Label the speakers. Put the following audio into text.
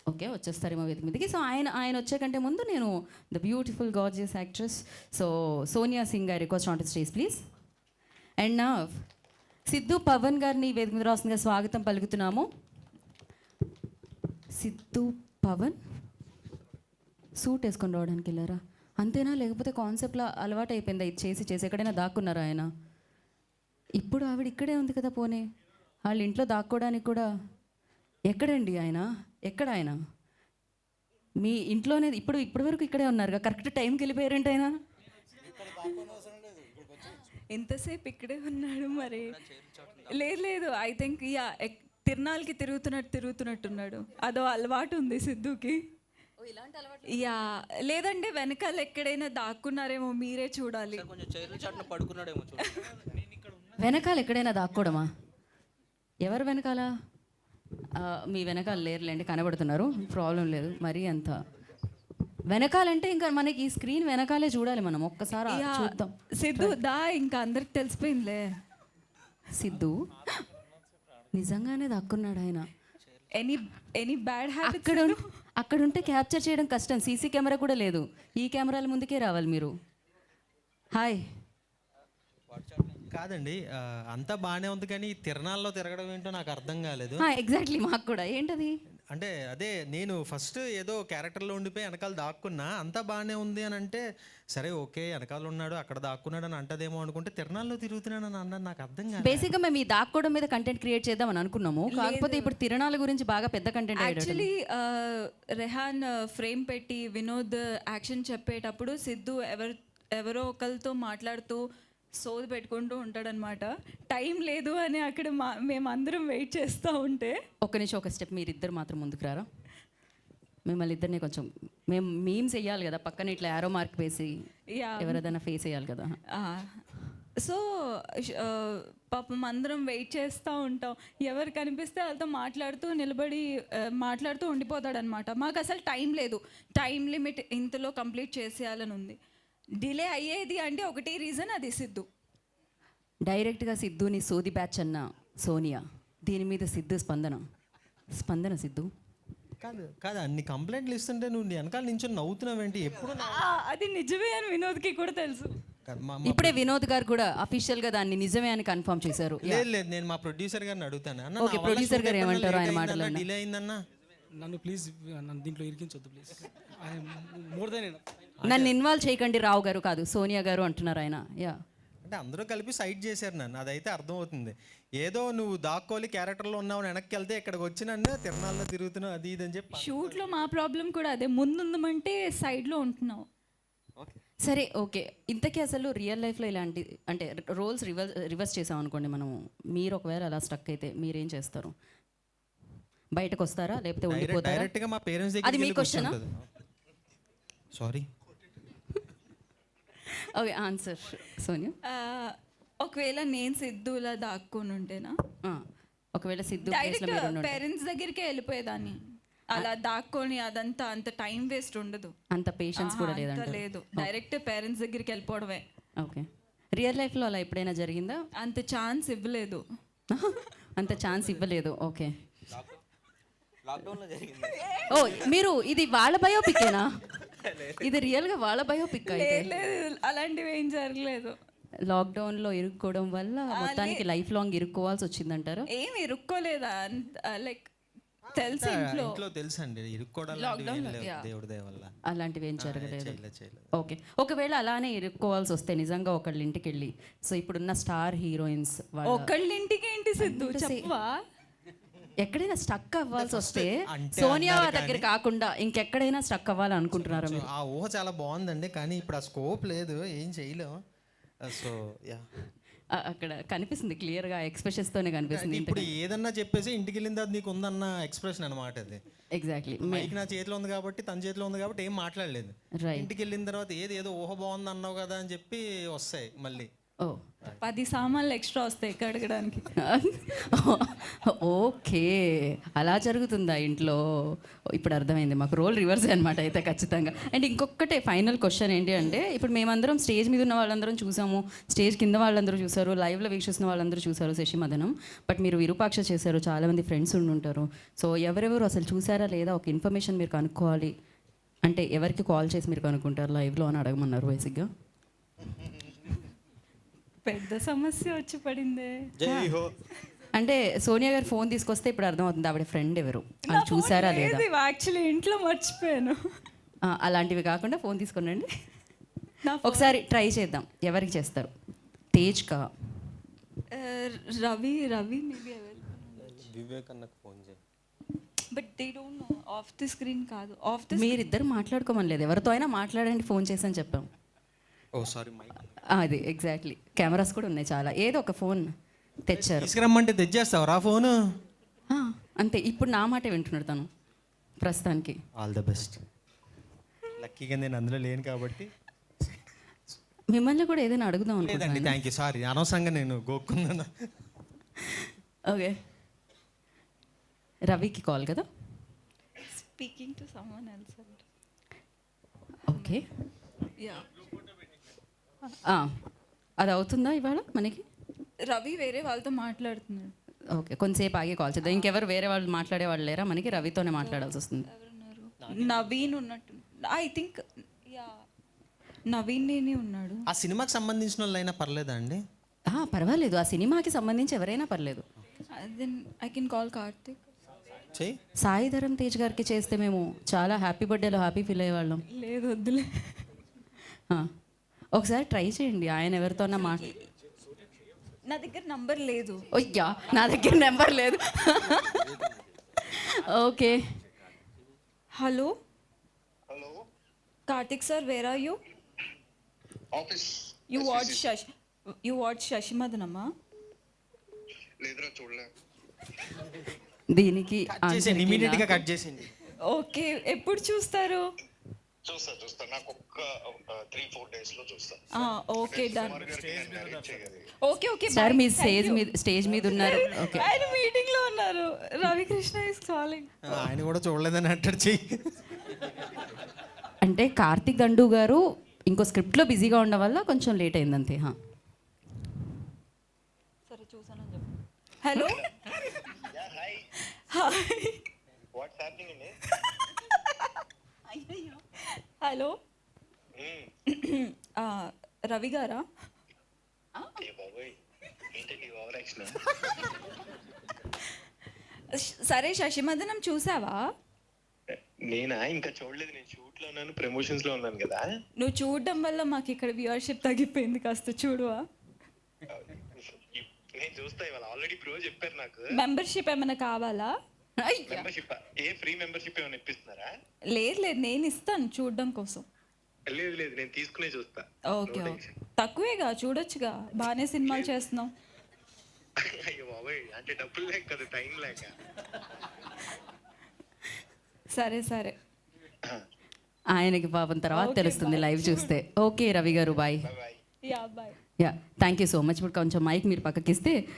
Speaker 1: Okay, వచ్చేస్తారేమో వేదిక మీదకి. So ఆయన ఆయన వచ్చే కంటే ముందు నేను the beautiful gorgeous actress so Sonia Singh గారి request on to stage please. And నా సిద్ధు పవన్ గారిని వేదిక మీద రాస్తుందిగా స్వాగతం పలుకుతున్నాము. సిద్ధు పవన్ సూట్ వేసుకొని రావడానికి వెళ్ళారా అంతేనా, లేకపోతే కాన్సెప్ట్లో అలవాటు అయిపోయిందా ఇది చేసి చేసి ఎక్కడైనా దాక్కున్నారా ఆయన? ఇప్పుడు ఆవిడ ఇక్కడే ఉంది కదా, పోనీ వాళ్ళ ఇంట్లో దాక్కోవడానికి కూడా ఎక్కడండి ఆయన? ఎక్కడ ఆయన? మీ ఇంట్లోనే ఇప్పటి వరకు ఇక్కడే ఉన్నారుగా, కరెక్ట్ టైంకి వెళ్ళిపోయారంటే ఆయన
Speaker 2: ఎంతసేపు ఇక్కడే ఉన్నాడు మరి. లేదు లేదు, ఐ థింక్ యా తిరునాళ్ళకి తిరుగుతున్నట్టున్నాడు. అదో అలవాటు ఉంది సిద్ధుకి. యా లేదంటే వెనకాల ఎక్కడైనా దాక్కున్నారేమో, మీరే చూడాలి.
Speaker 1: వెనకాల ఎక్కడైనా దాక్కోవడమా? ఎవరు వెనకాల? మీ వెనకాల లేరులేండి, కనబడుతున్నారు, ప్రాబ్లం లేదు. మరీ అంత వెనకాలంటే ఇంకా మనకి ఈ స్క్రీన్ వెనకాలే చూడాలి మనం, ఒక్కసారి చూద్దాం.
Speaker 2: సిద్ధు దా, ఇంకా అందరికి తెలిసిపోయిందిలే.
Speaker 1: సిద్ధు నిజంగానే దాక్కున్నాడు ఆయన.
Speaker 2: ఎనీ బ్యాడ్ హ్యాబిట్స్
Speaker 1: అక్కడ ఉంటే క్యాప్చర్ చేయడం కష్టం, సీసీ కెమెరా కూడా లేదు, ఈ కెమెరాల ముందుకే రావాలి మీరు. హాయ్.
Speaker 3: కాదండి, అంతా బాగానే ఉంది కానీ తిరణాల్లో తిరగడం ఏంటో నాకు అర్థం కాలేదు.
Speaker 1: ఎగ్జాక్ట్లీ, మాకు కూడా ఏంటది
Speaker 3: అంటే అదే నేను ఫస్ట్ ఏదో క్యారెక్టర్లో ఉండిపోయి వెనకాల దాక్కున్నా, అంతా బాగానే ఉంది అని అంటే సరే ఓకే వెనకాల ఉన్నాడు అక్కడ దాక్కున్నాడు అని అంటదేమో అనుకుంటే తిరణాల్లో తిరుగుతున్నాడు అని అన్నాను, నాకు అర్థం కాదు.
Speaker 1: బేసిక్గా మేము ఈ దాక్కోవడం మీద కంటెంట్ క్రియేట్ చేద్దాం అని అనుకున్నాము, కాకపోతే ఇప్పుడు తిరణాల గురించి బాగా పెద్ద కంటెంట్.
Speaker 2: యాక్చువల్లీ రెహాన్ ఫ్రేమ్ పెట్టి వినోద్ యాక్షన్ చెప్పేటప్పుడు సిద్ధు ఎవరో ఒకరితో మాట్లాడుతూ సోది పెట్టుకుంటూ ఉంటాడనమాట. టైం లేదు అని అక్కడ మేమందరం వెయిట్ చేస్తూ ఉంటే
Speaker 1: ఒక్క నిమిషం, ఒక స్టెప్ మీరిద్దరు మాత్రం ముందుకు రారా. మిమ్మల్ని ఇద్దరిని కొంచెం మేము మీమ్స్ వేయాలి కదా, పక్కన ఇట్లా యారో మార్క్ వేసి ఎవరిదైనా ఫేస్ వేయాలి కదా.
Speaker 2: సో పాపం అందరం వెయిట్ చేస్తూ ఉంటాం, ఎవరు కనిపిస్తే వాళ్ళతో మాట్లాడుతూ ఉండిపోతాడనమాట. మాకు అసలు టైం లేదు, టైం లిమిట్ ఇంతలో కంప్లీట్ చేసేయాలని ఉంది. డిలే అయ్యేది అంటే ఒకటి రీజన్, అది సిద్ధు.
Speaker 1: డైరెక్ట్గా సిద్ధుని సోది బ్యాచ్ అన్న సోనియా, దీని మీద సిద్ధు స్పందన సిద్ధు
Speaker 3: కాదు అన్ని కంప్లైంట్లు ఇస్తుంటే నువ్వు వెనకాల నుంచి నవ్వుతున్నావేంటి? ఎప్పుడు
Speaker 2: అది నిజమే అని వినోద్కి కూడా తెలుసు.
Speaker 1: ఇప్పుడే వినోద్ గారు కూడా అఫీషియల్ గా దాన్ని నిజమే అని కన్ఫర్మ్ చేశారు.
Speaker 3: లేదు నేను మా ప్రొడ్యూసర్ గారిని అడుగుతాను.
Speaker 1: ఓకే, ప్రొడ్యూసర్ గారు ఏమంటారు ఆయన మాటలు?
Speaker 3: డిలే అయిందన్నా,
Speaker 4: నన్ను ప్లీజ్ నన్ను దీంట్లో ఇరికించొద్దు ప్లీజ్. మోర్ దెన్
Speaker 1: నన్ను ఇన్వాల్వ్ చేయకండి రావు గారు, కాదు సోనియా గారు అంటున్నారు ఆయన. యా
Speaker 3: అంటే అందరూ కలిపి సైడ్ చేశారు నన్ను, అదైతే అర్థమవుతుంది. ఏదో నువ్వు దాక్కోలి క్యారెక్టర్లో ఉన్నావు వెనక్కి వెళ్తే ఇక్కడికి వచ్చి నన్ను తిరణాల్లో తిరుగుతున్నావు అది ఇది అని చెప్పి.
Speaker 2: షూట్లో మా ప్రాబ్లం కూడా అదే, ముందుందమంటే సైడ్లో ఉంటున్నావు.
Speaker 1: సరే ఓకే, ఇంతకీ అసలు రియల్ లైఫ్లో ఇలాంటి అంటే రోల్స్ రివర్స్ చేసాం అనుకోండి మనము, మీరు ఒకవేళ అలా స్టక్ అయితే మీరేం చేస్తారు? బయటకు వస్తారా లేకపోతే ఉండిపోతారా?
Speaker 3: డైరెక్ట్గా మా పేరెంట్స్
Speaker 1: అది మీ క్వశ్చనా?
Speaker 3: సారీ.
Speaker 1: Okay, answer Sonia.
Speaker 2: ఒకవేళ నేను సిద్ధులా దాక్కుని ఉంటేనా,
Speaker 1: ఒకవేళ సిద్ధు
Speaker 2: డైరెక్ట్ పేరెంట్స్ దగ్గరికి వెళ్ళిపోయేదాన్ని. అలా దాక్కొని అదంతా అంత టైం వేస్ట్ ఉండదు,
Speaker 1: అంత పేషెన్స్ కూడా
Speaker 2: లేదు. డైరెక్ట్ పేరెంట్స్ దగ్గరికి వెళ్ళిపోవడమే.
Speaker 1: ఓకే, రియల్ లైఫ్లో అలా ఎప్పుడైనా జరిగిందా?
Speaker 2: అంత ఛాన్స్ ఇవ్వలేదు.
Speaker 1: అంత ఛాన్స్ ఇవ్వలేదు. ఓకే, ఓ మీరు ఇది వాళ్ళ బయోపిక్కేనా? ఇది రియల్గా వాళ్ళ బయోపిక్?
Speaker 2: లేదు, అలాంటివి ఏం జరగలేదు.
Speaker 1: లాక్డౌన్లో ఇరుక్కోవడం వల్ల మొత్తానికి లైఫ్ లాంగ్ ఇరుక్కోవాల్సి వచ్చిందంటారు?
Speaker 2: ఏం ఇరుక్కోలేదా, లైక్ తెలుసు ఇంట్లో
Speaker 3: తెలుసండి ఇరుక్కోవడం దేవుడి దయ వల్ల
Speaker 1: అలాంటివి ఏం జరగలేదు. ఓకే, ఒకవేళ అలానే ఇరుక్కోవాల్సి వస్తే నిజంగా ఒకళ్ళ ఇంటికి వెళ్ళి, సో ఇప్పుడున్న స్టార్ హీరోయిన్స్
Speaker 2: ఒకళ్ళ ఇంటికి ఏంటి సిద్ధు చెప్పవా,
Speaker 1: ఎక్కడైనా స్టక్ అవ్వాల్సి వస్తే సోనియా దగ్గర కాకుండా ఇంకెక్కడైనా స్టక్ అవ్వాలి అనుకుంటున్నారా మీరు?
Speaker 3: ఆ ఊహ చాలా బాగుందండి, కానీ ఇప్పుడు ఆ స్కోప్ లేదు, ఏం చేయలేము. సో యా,
Speaker 1: అక్కడ కనిపిస్తుంది క్లియర్గా, ఎక్స్ప్రెషన్స్ తోనే కనిపిస్తుంది.
Speaker 3: ఇప్పుడు ఏదన్నా చెప్పేసి ఇంటికి వెళ్ళిన తర్వాత నీకు ఉందన్న ఎక్స్ప్రెషన్ అనమాట అది.
Speaker 1: ఎగ్జాక్ట్లీ,
Speaker 3: మైక్ నా చేతిలో ఉంది కాబట్టి తన చేతిలో ఉంది కాబట్టి ఏం మాట్లాడలేదు. ఇంటికి వెళ్ళిన తర్వాత ఏదో ఊహ బాగుంది అన్నావు కదా అని చెప్పి వస్తాయి మళ్ళీ.
Speaker 1: ఓ
Speaker 2: 10 సామాన్లు ఎక్స్ట్రా వస్తాయి కడగడానికి.
Speaker 1: ఓకే, అలా జరుగుతుందా ఇంట్లో? ఇప్పుడు అర్థమైంది మాకు. రోల్ రివర్స్ అనమాట అయితే ఖచ్చితంగా. అండ్ ఇంకొకటే ఫైనల్ క్వశ్చన్ ఏంటి అంటే, ఇప్పుడు మేమందరం స్టేజ్ మీద ఉన్న వాళ్ళందరం చూసాము, స్టేజ్ కింద వాళ్ళందరూ చూసారు, లైవ్లో వీక్షిస్తున్న వాళ్ళందరూ చూసారు శశిమదనం. బట్ మీరు విరూపాక్ష చేశారు, చాలామంది ఫ్రెండ్స్ ఉండుంటారు. సో ఎవరెవరు అసలు చూసారా లేదా ఒక ఇన్ఫర్మేషన్ మీరు కనుక్కోవాలి అంటే ఎవరికి కాల్ చేసి మీరు కనుక్కుంటారు లైవ్లో అని అడగమన్నారు బేసిక్గా.
Speaker 2: పెద్ద సమస్య వచ్చి పడిందే.
Speaker 3: జై హో.
Speaker 1: అంటే సోనియా గారు ఫోన్ తీసుకొస్తే ఇప్పుడు అర్థమవుతుంది ఆవిడ ఫ్రెండ్ ఎవరు అని చూసారా లేదా.
Speaker 2: యాక్చువల్లీ ఇంట్లో మర్చిపోయాను.
Speaker 1: అలాంటివి కాకుండా ఫోన్ తీసుకునండి,
Speaker 2: నా
Speaker 1: ఒకసారి ట్రై చేద్దాం. ఎవరికి చేస్తారు? తేజ్ కా?
Speaker 2: రవి మేబీ
Speaker 3: వివేక్ అన్నకు ఫోన్ చేయి.
Speaker 2: But they don't know. Of the screen కాదు, ఆఫ్ ది
Speaker 1: మీరిద్దరు మాట్లాడుకోమని లేదు, ఎవరితో అయినా మాట్లాడండి ఫోన్ చేసి అని చెప్పాం.
Speaker 3: Oh sorry mike.
Speaker 1: అది ఎగ్జాక్ట్లీ. కెమెరాస్ కూడా ఉన్నాయి చాలా. ఏదో ఒక ఫోన్ తెచ్చారు.
Speaker 3: తీసుకురమ్మంటే తెచ్చేస్తావు రా ఫోను.
Speaker 1: అంతే. ఇప్పుడు నా మాట వింటున్నాడు తను ప్రస్తుతానికి.
Speaker 3: All the best. లక్కీగా నేను అందులో లేను కాబట్టి.
Speaker 1: మిమ్మల్ని కూడా ఏదైనా అడుగుదాం
Speaker 3: లేదండి,
Speaker 1: అనుకుంటున్నాను.
Speaker 3: Thank you. సారీ, అనవసరంగా నేను గోక్కున్నాను.
Speaker 1: ఓకే, రవికి కాల్ కదా.
Speaker 2: Speaking to someone else.
Speaker 1: Okay,
Speaker 2: ya,
Speaker 1: అది అవుతుందా ఇవాళ మనకి?
Speaker 2: రవి వేరే వాళ్ళతో మాట్లాడుతున్నాడు.
Speaker 1: ఓకే, కొంతసేపు ఆగి కాల్ చేద్దాం. ఇంకెవరు వేరే వాళ్ళు మాట్లాడే వాళ్ళు లేరా మనకి? రవితోనే మాట్లాడాల్సి వస్తుంది.
Speaker 2: ఎవరున్నారు? నవీన్ ఉన్నట్టు, ఐ థింక్. యా, నవీన్ నేనే ఉన్నాడు.
Speaker 3: ఆ సినిమాకి సంబంధించిన వాళ్ళైనా పర్లేదా అండి?
Speaker 1: పర్వాలేదు, ఆ సినిమాకి సంబంధించి ఎవరైనా పర్లేదు.
Speaker 2: Then I can call Karthik.
Speaker 3: చెయ్యి.
Speaker 1: సాయి ధరమ్ తేజ్ గారికి చేస్తే మేము చాలా హ్యాపీ బర్త్డేలో హ్యాపీ ఫీల్ అయ్యేవాళ్ళం.
Speaker 2: లేదు, వద్దులే.
Speaker 1: ఒకసారి ట్రై చేయండి, ఆయన ఎవరితోన్నా
Speaker 2: నా దగ్గర నంబర్ లేదు.
Speaker 1: అయ్యా, నా దగ్గర నెంబర్ లేదు. Okay,
Speaker 2: hello
Speaker 5: hello,
Speaker 2: Karthik sir, where are you?
Speaker 5: Office.
Speaker 2: You watch శశిమదనమ్మా?
Speaker 5: లేదురా, చూడలే.
Speaker 1: దీనికి
Speaker 3: చేసేయండి, ఇమీడియట్ గా కట్ చేసేయండి.
Speaker 2: ఓకే, ఎప్పుడు చూస్తారు?
Speaker 5: చూస్తా. నాకు ఒక్క 3-4 days లో చూస్తా.
Speaker 2: Okay, done. ఓకే
Speaker 1: సార్ మీ స్టేజ్ మీద ఉన్నారు. ఓకే,
Speaker 2: ఆయన మీటింగ్ లో ఉన్నారు. Ravikrishna is calling.
Speaker 3: ఆయన కూడా చూడలేదని అంటాడు. చెయ్యి.
Speaker 1: అంటే కార్తిక్ దండు గారు ఇంకో స్క్రిప్ట్లో బిజీగా ఉండడం వల్ల కొంచెం లేట్ అయింది అంతే.
Speaker 2: సరే, చూసానని చెప్పు. Hello,
Speaker 5: hi,
Speaker 2: hi.
Speaker 5: What's happening అండి?
Speaker 2: హలో, రవి గారా?
Speaker 5: ఏ బాబోయ్, ఏంటండి ఓవర్ యాక్షన్?
Speaker 2: సరే, శశిమదనం చూసావా?
Speaker 5: నేనా? ఇంకా చూడలేదు. నేను షూట్ లో ఉన్నాను, ప్రమోషన్స్ లో ఉన్నాను కదా.
Speaker 2: నువ్వు చూడడం వల్ల మాకు ఇక్కడ వ్యూవర్షిప్ తగ్గిపోయింది. కాస్త చూడువా?
Speaker 5: నేను చూస్తా. ఇవాళ ఆల్రెడీ ప్రో చెప్పారు నాకు.
Speaker 2: మెంబర్షిప్ ఏమైనా కావాలా?
Speaker 5: మెంబర్షిప్ ఏ ఫ్రీ మెంబర్షిప్ ఏమైనా ఇప్పిస్తున్నారా?
Speaker 2: లేదు, నేను ఇస్తాను చూడడం కోసం.
Speaker 5: లేదు, నేను తీసుకునే చూస్తా.
Speaker 2: ఓకే, తక్కువేగా, చూడొచ్చుగా. బాగానే సినిమాలు చేస్తున్నావు.
Speaker 5: అయ్యో బాబోయ్, అంటే డబ్బులు లేక కదా, టైం లేక.
Speaker 1: సరే, ఆయనకి పాపం తర్వాత తెలుస్తుంది లైవ్ చూస్తే. ఓకే రవి గారు, bye.
Speaker 5: Bye.
Speaker 2: Ya, bye.
Speaker 1: Ya, thank you so much. ఇప్పుడు కొంచెం మైక్ మీరు పక్కకిస్తే